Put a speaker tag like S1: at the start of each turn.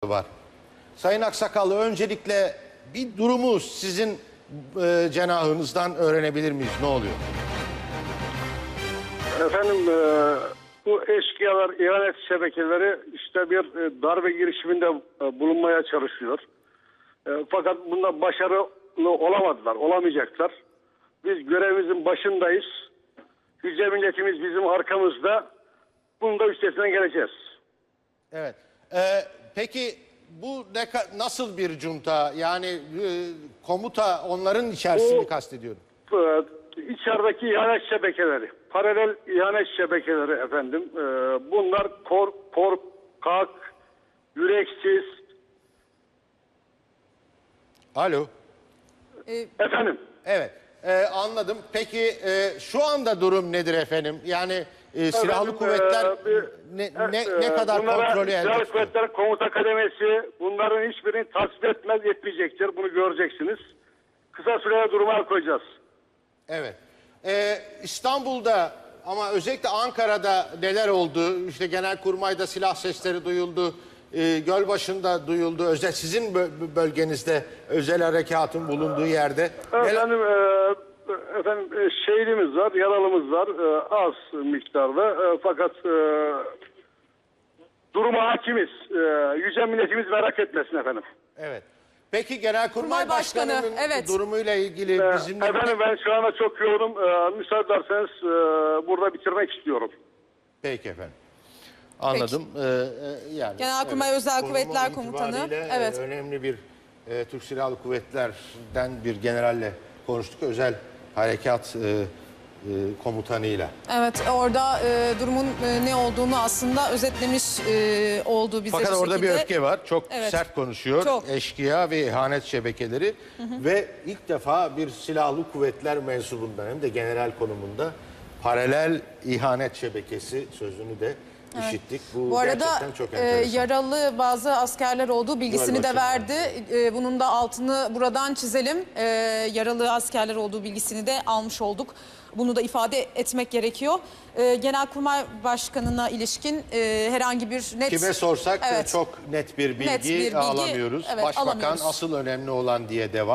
S1: var. Sayın Aksakallı, öncelikle bir durumu sizin cenahınızdan öğrenebilir miyiz? Ne oluyor?
S2: Efendim bu eşkıyalar, ihanet şebekeleri işte bir darbe girişiminde bulunmaya çalışıyor. Fakat bunda başarılı olamadılar, olamayacaklar. Biz görevimizin başındayız. Yüce milletimiz bizim arkamızda. Bunun da üstesinden geleceğiz.
S1: Evet. Peki bu nasıl bir junta? Yani komuta onların içerisini kastediyorum.
S2: İçerideki ihanet şebekeleri, paralel ihanet şebekeleri efendim. Bunlar korkak, yüreksiz.
S1: Alo.
S2: Efendim.
S1: Evet. Anladım. Peki şu anda durum nedir efendim? Yani silahlı kuvvetler ne kadar kontrolü elde
S2: Silahlı
S1: tutuyor?
S2: Kuvvetler Komuta Kademesi bunların hiçbirini tasvip etmeyecektir. Bunu göreceksiniz. Kısa sürede duruma koyacağız.
S1: Evet. İstanbul'da ama özellikle Ankara'da neler oldu? İşte Genelkurmay'da silah sesleri duyuldu. Gölbaşı'nda duyuldu. Sizin bölgenizde özel harekatın bulunduğu yerde.
S2: Efendim şehidimiz var, yaralımız var. Az miktarda. Fakat duruma hakimiz. Yüce milletimiz merak etmesin efendim.
S1: Evet. Peki Genelkurmay Başkanı'nın durumuyla ilgili bizimle...
S2: Efendim ben şu anda çok yoğunum. Müsaade ederseniz burada bitirmek istiyorum.
S1: Peki efendim. Anladım. Yani
S3: Genelkurmay Özel Kuvvetler Komutanı. Evet.
S1: Önemli bir Türk Silahlı Kuvvetler'den bir generalle konuştuk. Özel harekat komutanıyla.
S3: Evet, orada durumun ne olduğunu aslında özetlemiş oldu bize.
S1: Fakat orada bir öfke var. Çok
S3: Evet.
S1: sert konuşuyor.
S3: Çok.
S1: Eşkıya ve ihanet şebekeleri. Ve ilk defa bir silahlı kuvvetler mensubundan hem de general konumunda paralel ihanet şebekesi sözünü de işittik. Bu
S3: arada
S1: gerçekten çok enteresan.
S3: yaralı bazı askerler olduğu bilgisini de verdi. Bunun da altını buradan çizelim. Yaralı askerler olduğu bilgisini de almış olduk. Bunu da ifade etmek gerekiyor. Genelkurmay Başkanı'na ilişkin herhangi bir net...
S1: Kime sorsak çok net bir bilgi alamıyoruz.
S3: Evet,
S1: Başbakan
S3: alamıyoruz.
S1: asıl önemli olan diye devam.